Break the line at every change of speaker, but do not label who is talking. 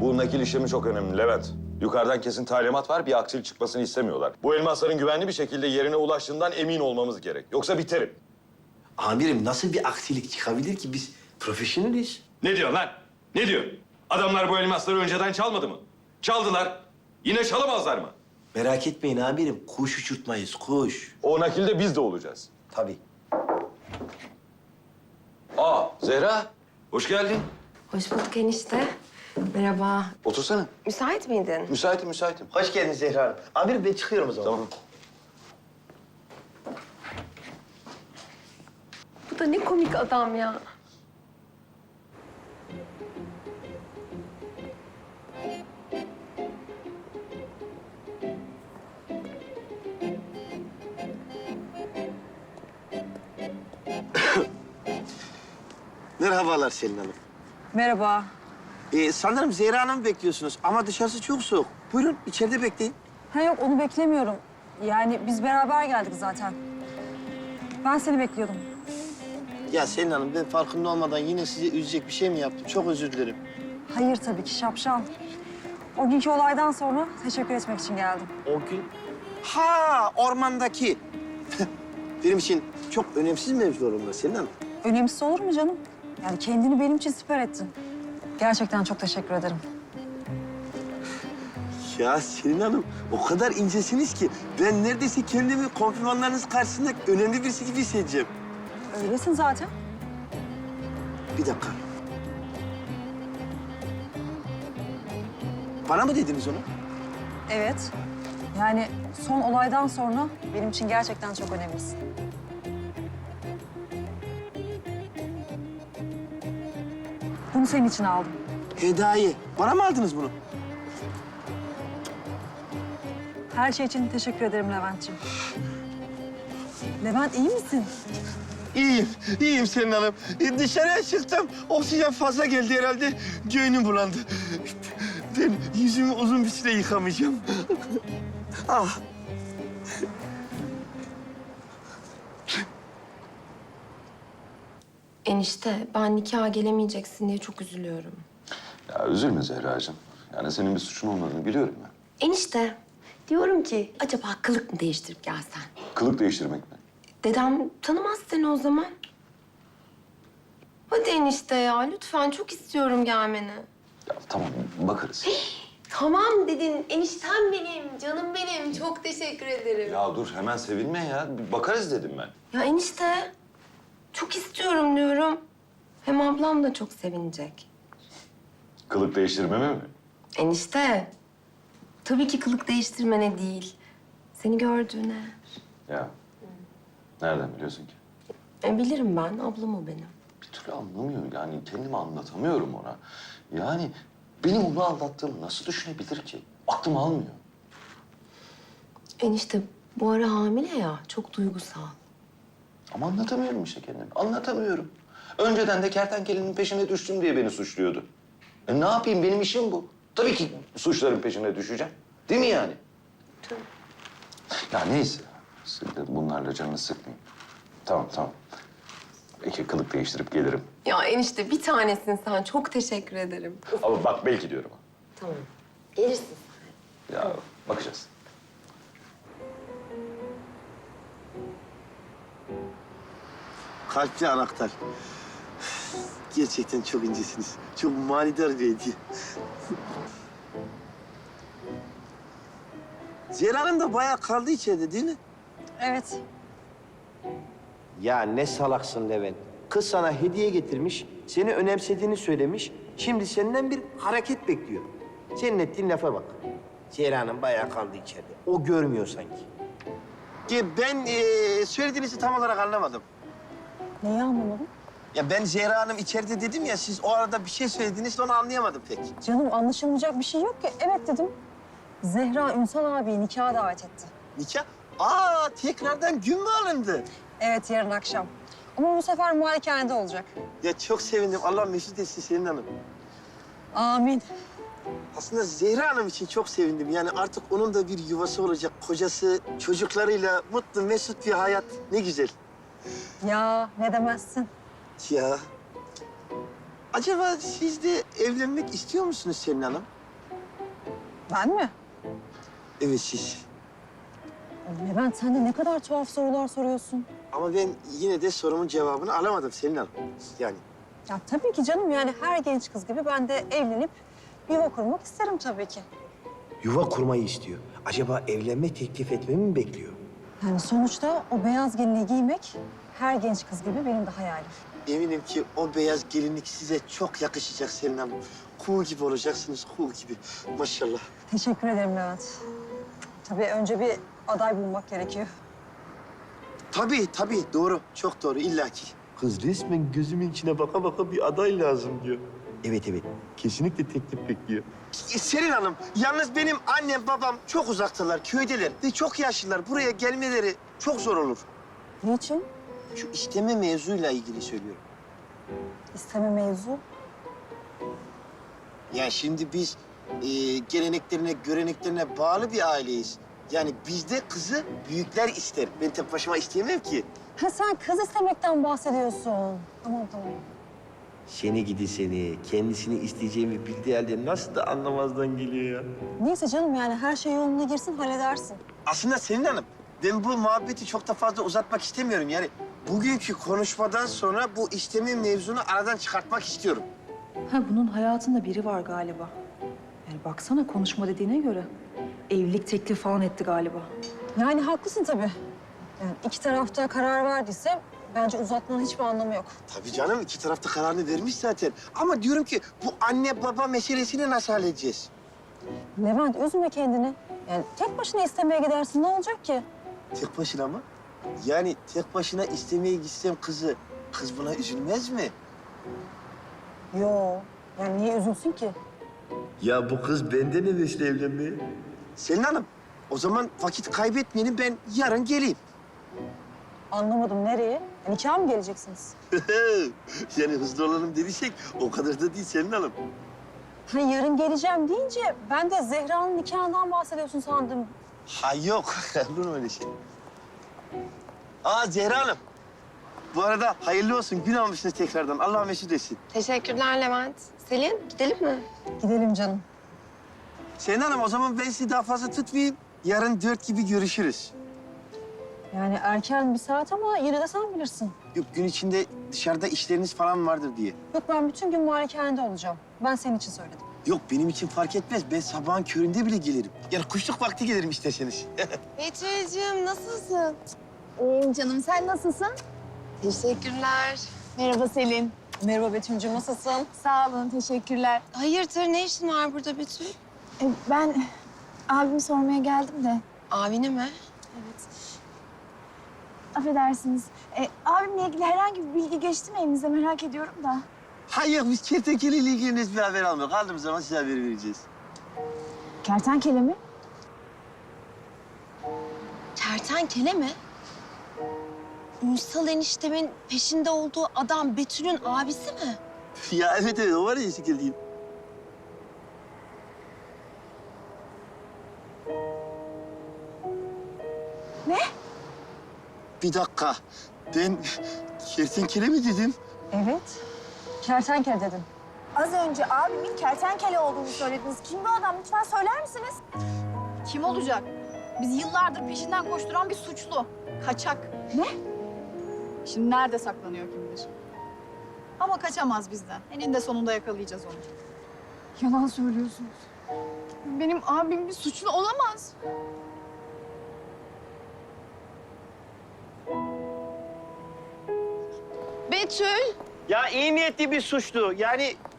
Bu nakil işlemi çok önemli Levent. Yukarıdan kesin talimat var, bir aksilik çıkmasını istemiyorlar. Bu elmasların güvenli bir şekilde yerine ulaştığından emin olmamız gerek. Yoksa biterim.
Amirim nasıl bir aksilik çıkabilir ki? Biz profesyoneliz.
Ne diyorsun lan? Ne diyor? Adamlar bu elmasları önceden çalmadı mı? Çaldılar. Yine çalamazlar mı?
Merak etmeyin amirim. Kuş uçurtmayız, kuş.
O nakilde biz de olacağız.
Tabii.
Aa, Zehra. Hoş geldin.
Hoş bulduk enişte. Merhaba.
Otursana.
Müsait miydin?
Müsaitim, müsaitim.
Hoş geldin Zehra Hanım. Amirim ben çıkıyorum o zaman.
Tamam.
Bu da ne komik adam ya.
Merhabalar Selin Hanım.
Merhaba.
Sanırım Zehra Hanım'ı bekliyorsunuz ama dışarısı çok soğuk. Buyurun içeride bekleyin.
Ha yok onu beklemiyorum. Yani biz beraber geldik zaten. Ben seni bekliyordum.
Ya Selin Hanım ben farkında olmadan yine sizi üzecek bir şey mi yaptım? Çok özür dilerim.
Hayır tabii ki şapşal. O günkü olaydan sonra teşekkür etmek için geldim.
O gün... Ha ormandaki. Benim için çok önemsiz mevzular onlar Selin Hanım.
Önemsiz olur mu canım? Yani kendini benim için siper ettin. Gerçekten çok teşekkür ederim.
Ya Selin Hanım o kadar incesiniz ki ben neredeyse kendimi konfirmanlarınız karşısında önemli birisi gibi hissedeceğim.
Öylesin zaten.
Bir dakika. Bana mı dediniz onu?
Evet. Yani son olaydan sonra benim için gerçekten çok önemlisin. Bunu senin için aldım.
Hediye. Bana mı aldınız bunu?
Her şey için teşekkür ederim Levent'ciğim. Levent iyi misin?
İyiyim, iyiyim Selin Hanım. Dışarıya çıktım, oksijen fazla geldi herhalde. Göğnüm bulandı. Ben yüzümü uzun bir süre yıkamayacağım. Ah.
Enişte ben nikaha gelemeyeceksin diye çok üzülüyorum.
Ya üzülme Zehracığım. Yani senin bir suçun olmadığını biliyorum ben.
Enişte diyorum ki acaba kılık mı değiştirip gelsen?
Kılık değiştirmek mi?
Dedem tanımaz seni o zaman. Hadi enişte ya lütfen çok istiyorum gelmeni.
Ya tamam, bakarız.
Tamam dedin eniştem benim, canım benim. Çok teşekkür ederim.
Ya dur, hemen sevinme ya. Bir bakarız dedim ben.
Ya enişte çok istiyorum diyorum. Hem ablam da çok sevinecek.
Kılık değiştirmeme mi?
Enişte tabii ki kılık değiştirmene değil. Seni gördüğüne.
Ya, nereden biliyorsun ki?
Bilirim ben, ablam o benim.
Bir türlü anlamıyor yani, kendimi anlatamıyorum ona. Yani benim onu aldattığımı nasıl düşünebilir ki? Aklım almıyor.
Enişte bu ara hamile ya, çok duygusal.
Ama anlatamıyorum işte kendimi, anlatamıyorum. Önceden de kertenkelenin peşine düştüm diye beni suçluyordu. Ne yapayım, benim işim bu. Tabii ki suçların peşine düşeceğim. Değil mi yani?
Tabii.
Ya neyse, siz de bunlarla canını sıkmayın. Tamam, tamam. Belki kılık değiştirip gelirim.
Ya enişte bir tanesin sen, çok teşekkür ederim.
Ama bak belki diyorum.
Tamam, gelirsin sen.
Ya bakacağız.
Kalpli anahtar. Gerçekten çok incesiniz. Çok manidar bir hediye. Zehra Hanım da bayağı kaldı içeride değil mi?
Evet.
Ya ne salaksın Levent. Kız sana hediye getirmiş, seni önemsediğini söylemiş. Şimdi senden bir hareket bekliyor. Senin ettiğin lafa bak. Zehra Hanım bayağı kaldı içeride. O görmüyor sanki. Ben söylediğinizi tam olarak anlamadım.
Neyi anlamadım?
Ya ben Zehra Hanım içeride dedim ya, siz o arada bir şey söylediniz de onu anlayamadım pek.
Canım anlaşılmayacak bir şey yok ki. Evet dedim. Zehra Ünsal abiyi nikaha davet etti.
Nikah? Aa, tekrardan gün mü alındı?
Evet yarın akşam. Ama bu sefer malikanede olacak.
Ya çok sevindim. Allah mesut etsin Selin Hanım.
Amin.
Aslında Zehra Hanım için çok sevindim. Yani artık onun da bir yuvası olacak. Kocası, çocuklarıyla mutlu, mesut bir hayat. Ne güzel.
Ya ne demezsin.
Ya acaba siz de evlenmek istiyor musunuz Selin Hanım?
Ben mi?
Evet siz.
Levent sen de ne kadar tuhaf sorular soruyorsun.
Ama ben yine de sorumun cevabını alamadım Selin Hanım. Yani
Ya tabii ki canım yani her genç kız gibi ben de evlenip yuva kurmak isterim tabii ki.
yuva kurmayı istiyor. Acaba evlenme teklif etmemi mi bekliyor?
Yani sonuçta o beyaz gelinliği giymek her genç kız gibi benim de hayalim.
Eminim ki o beyaz gelinlik size çok yakışacak Selin Hanım. Kuğu gibi olacaksınız, kuğu gibi. Maşallah.
Teşekkür ederim Levent. Tabii önce bir aday bulmak gerekiyor.
Tabii doğru. Çok doğru illaki. Kız resmen gözümün içine baka baka bir aday lazım diyor. Evet. Kesinlikle teklif bekliyor. Selin Hanım, yalnız benim annem babam çok uzaktalar, köydeler ve çok yaşlılar. Buraya gelmeleri çok zor olur.
Niçin?
Şu isteme mevzuyla ilgili söylüyorum.
İsteme mevzu.
Yani şimdi biz geleneklerine, göreneklerine bağlı bir aileyiz. Yani bizde kızı büyükler ister. Ben tek başıma isteyemem ki.
Ha sen kız istemekten bahsediyorsun. Tamam.
Seni gidi seni. Kendisini isteyeceğimi bildiği halde nasıl da anlamazdan geliyor ya.
Neyse canım yani her şey yoluna girsin halledersin.
Aslında Selin Hanım, ben bu muhabbeti çok da fazla uzatmak istemiyorum. Yani bugünkü konuşmadan sonra bu isteme mevzunu aradan çıkartmak istiyorum.
Ha bunun hayatında biri var galiba. Yani baksana konuşma dediğine göre. Evlilik teklifi falan etti galiba.
Yani haklısın tabii. Yani iki tarafta karar verdiyse bence uzatmanın hiçbir anlamı yok.
Tabii canım, iki tarafta kararını vermiş zaten. Ama diyorum ki bu anne baba meselesini nasıl halledeceğiz?
Levent üzme kendini. Yani tek başına istemeye gidersin ne olacak ki?
Tek başına mı? Yani tek başına istemeye gitsem kızı, kız buna üzülmez mi?
Yo. Yani niye üzülsün ki?
Ya bu kız benden hevesli evlenmeye. Selin Hanım, o zaman vakit kaybetmeyelim, ben yarın geleyim.
Anlamadım nereye? Nikaha mı geleceksiniz?
Yani hızlı olalım dediysek o kadar da değil Selin Hanım.
Ha yarın geleceğim deyince ben de Zehra'nın nikahından bahsediyorsun sandım.
Ha yok, olur mu öyle şey? Aa Zehra Hanım. Bu arada hayırlı olsun, gün almışsınız tekrardan. Allah mesut etsin.
Teşekkürler Levent. Selin gidelim mi?
Gidelim canım.
Selin Hanım, o zaman ben sizi daha fazla tutmayayım. Yarın 4 gibi görüşürüz.
Yani erken bir saat ama yine de sen bilirsin.
Yok, gün içinde dışarıda işleriniz falan vardır diye.
Yok ben bütün gün malikanede olacağım. Ben senin için söyledim.
Yok, benim için fark etmez. Ben sabahın köründe bile gelirim. Yani kuşluk vakti gelirim isterseniz.
Betül'cüğüm nasılsın?
İyiyim canım, sen nasılsın?
Teşekkürler.
Merhaba Selin.
Merhaba Betül'cüğüm nasılsın?
Sağ olun, teşekkürler.
Hayırdır ne işin var burada Betül?
Ben abimi sormaya geldim de.
Abini mi?
Affedersiniz. Abimle ilgili herhangi bir bilgi geçti mi elinize merak ediyorum da.
Hayır, biz kertenkeleyle ilgili bir haber almıyoruz. Aldığımız zaman size haber vereceğiz.
Kertenkele mi?
Kertenkele mi? Ünsal eniştemin peşinde olduğu adam Betül'ün abisi mi?
Ya evet, o var ya eski geldiğim.
Ne?
Bir dakika. Ben kertenkele mi dedim?
Evet. Kertenkele dedim.
Az önce abimin kertenkele olduğunu söylediniz. Kim bu adam? Lütfen söyler misiniz?
Kim olacak? Biz yıllardır peşinden koşturan bir suçlu. Kaçak.
Ne?
Şimdi nerede saklanıyor kim bilir. Ama kaçamaz bizden. Eninde sonunda yakalayacağız onu.
Yalan söylüyorsunuz. Benim abim bir suçlu olamaz.
Betül!
Ya iyi niyetli bir suçlu. Yani